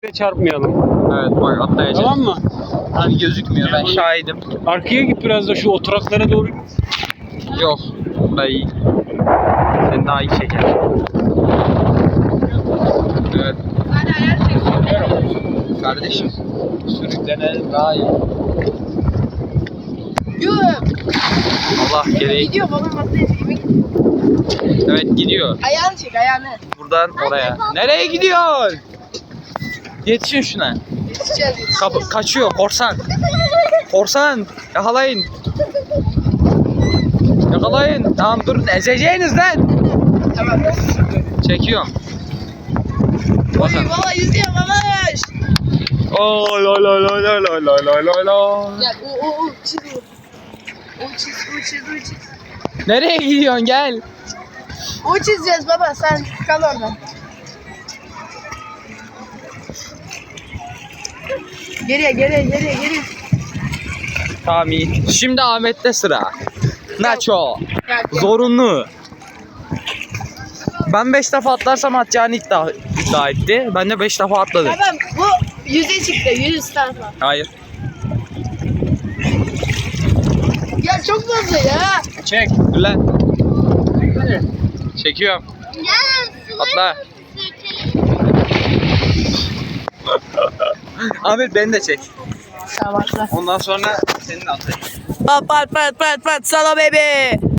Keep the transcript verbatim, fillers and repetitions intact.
Çarpmayalım. Evet bak atlayacağız. Tamam mı? Hani gözükmüyor, ben şahidim. Arkaya git biraz da şu oturaklara doğru. Yok. Daha iyi. Sen daha iyi çeker. Evet. Hadi ayar çek. Kardeşim. Sürüklenelim daha iyi. Yuh. Allah gereği. Gidiyor babam atlayacak. Evet gidiyor. Ayağını çek ayağını. Buradan oraya. Nereye gidiyorsun? Yetişin şuna. Yetişeceğiz yetişeceğiz. Kapı kaçıyor korsan. Korsan yakalayın. Yakalayın. Tamam durun, ezeceğiniz lan. Tamam. Çekiyorum. Oy Bakın. baba yüzüyor babaş. Oo la la la la la la la la la. Gel o o o çiz o. O çiz o çiz o çiz. Nereye gidiyorsun, gel. O çizeceğiz baba sen kal orada. Geriye geriye geriye geriye. Tamam iyi. Şimdi Ahmet'te sıra. Nacho. Gel, gel. Zorunlu. Ben beş defa atlarsam atacağını iddia, iddia etti. Ben de beş defa atladım. Tamam bu yüze çıktı yüz tarafa. Hayır. Ya çok fazla ya. Çek. Dur lan. Çekiyorum. Atla. Ahmet beni de çek. Tamam atla. Ondan sonra seni de atlayayım. Pat pat pat pat pat salo baby.